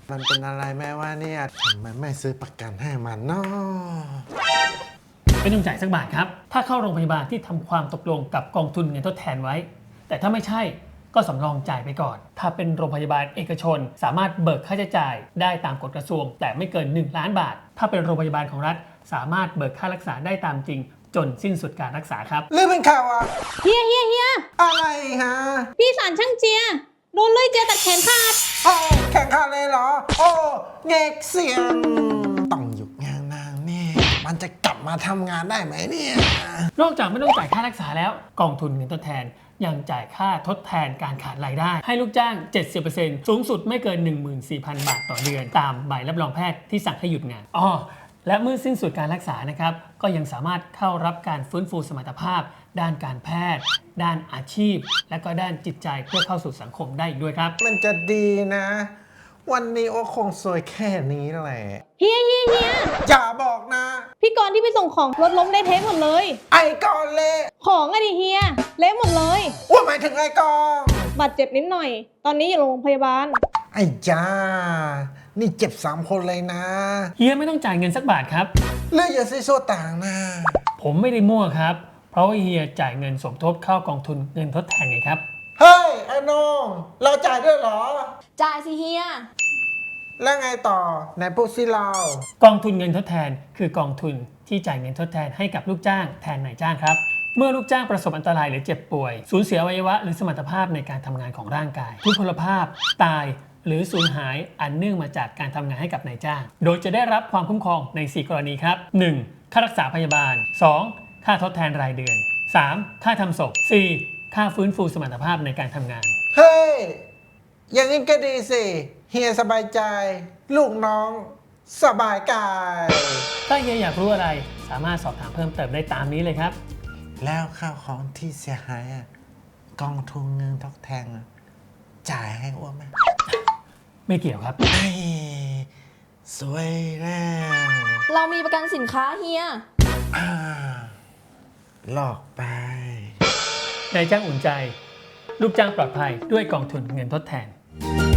มันเป็นอะไรแม่ว่าเนี่ยทำไมไม่ซื้อประกันให้มันเนาะไม่ต้องจ่ายสักบาทครับถ้าเข้าโรงพยาบาลที่ทำความตกลงกับกองทุนเงินทดแทนไว้แต่ถ้าไม่ใช่ก็สำรองจ่ายไปก่อนถ้าเป็นโรงพยาบาลเอกชนสามารถเบิกค่าใช้จ่ายได้ตามกฎกระทรวงแต่ไม่เกิน1 ล้านบาทถ้าเป็นโรงพยาบาลของรัฐสามารถเบิกค่ารักษาได้ตามจริงจนสิ้นสุดการรักษาครับเรื่องเป็นข่าวอะเฮียอะไรฮะพี่สารช่างเจียโดนเลยเจียตัดแขนขาดโอ้แข่งขันเลยเหรอโอ้เงกเสียงต้องหยุดงานนางแน่มันจะกลับมาทำงานได้ไหมเนี่ยนอกจากไม่ต้องจ่ายค่ารักษาแล้วกองทุนเงินทดแทนยังจ่ายค่าทดแทนการขาดรายได้ให้ลูกจ้าง 70% สูงสุดไม่เกิน 14,000 บาทต่อเดือนตามใบรับรองแพทย์ที่สั่งให้หยุดงานและเมื่อสิ้นสุดการรักษานะครับก็ยังสามารถเข้ารับการฟื้นฟูสมรรถภาพด้านการแพทย์ด้านอาชีพและก็ด้านจิตใจเพื่อเข้าสู่สังคมได้อีกด้วยครับมันจะดีนะวันนี้โอ้คงสวยแค่นี้แหละเฮียอย่าบอกนะพี่กรณ์ที่ไปส่งของรถล้มได้เทะหมดเลยไอ้กอนเละของอะดิเฮียเละหมดเลยว่าหมายถึงไอ้กองบาดเจ็บนิดหน่อยตอนนี้อยู่โรงพยาบาลไอ้จ้านี่เจ็บ3 คนเลยนะเฮียไม่ต้องจ่ายเงินสักบาทครับเลือกอย่าซีโซต่างนะผมไม่ได้มั่วครับเพราะว่าเฮียจ่ายเงินสมทบเข้ากองทุนเงินทดแทนไงครับเฮ้ยไอ้น้องเราจ่ายด้วยเหรอจ่ายสิเฮียแล้วไงต่อไหนพูดสิเรากองทุนเงินทดแทนคือกองทุนที่จ่ายเงินทดแทนให้กับลูกจ้างแทนนายจ้างครับเมื่อลูกจ้างประสบอันตรายหรือเจ็บป่วยสูญเสียอวัยวะหรือสมรรถภาพในการทำงานของร่างกายทุพพลภาพตายหรือสูญหายอันเนื่องมาจากการทำงานให้กับนายจ้างโดยจะได้รับความคุ้มครองใน 4 กรณีครับ 1. ค่ารักษาพยาบาล 2. ค่าทดแทนรายเดือน 3. ค่าทำศพ 4. ค่าฟื้นฟูสมรรถภาพในการทำงานเฮ้ยอย่างนี้ก็ดีสิเฮียสบายใจลูกน้องสบายกายถ้าเฮียอยากรู้อะไรสามารถสอบถามเพิ่มเติมได้ตามนี้เลยครับแล้วข้าวของที่เสียหายกองทุนเงินทดแทนจ่ายให้อ้วนไหมไม่เกี่ยวครับไอ้สวยแล้วเรามีประกันสินค้าเฮียหลอกไปนายจ้างอุ่นใจลูกจ้างปลอดภัยด้วยกองทุนเงินทดแทน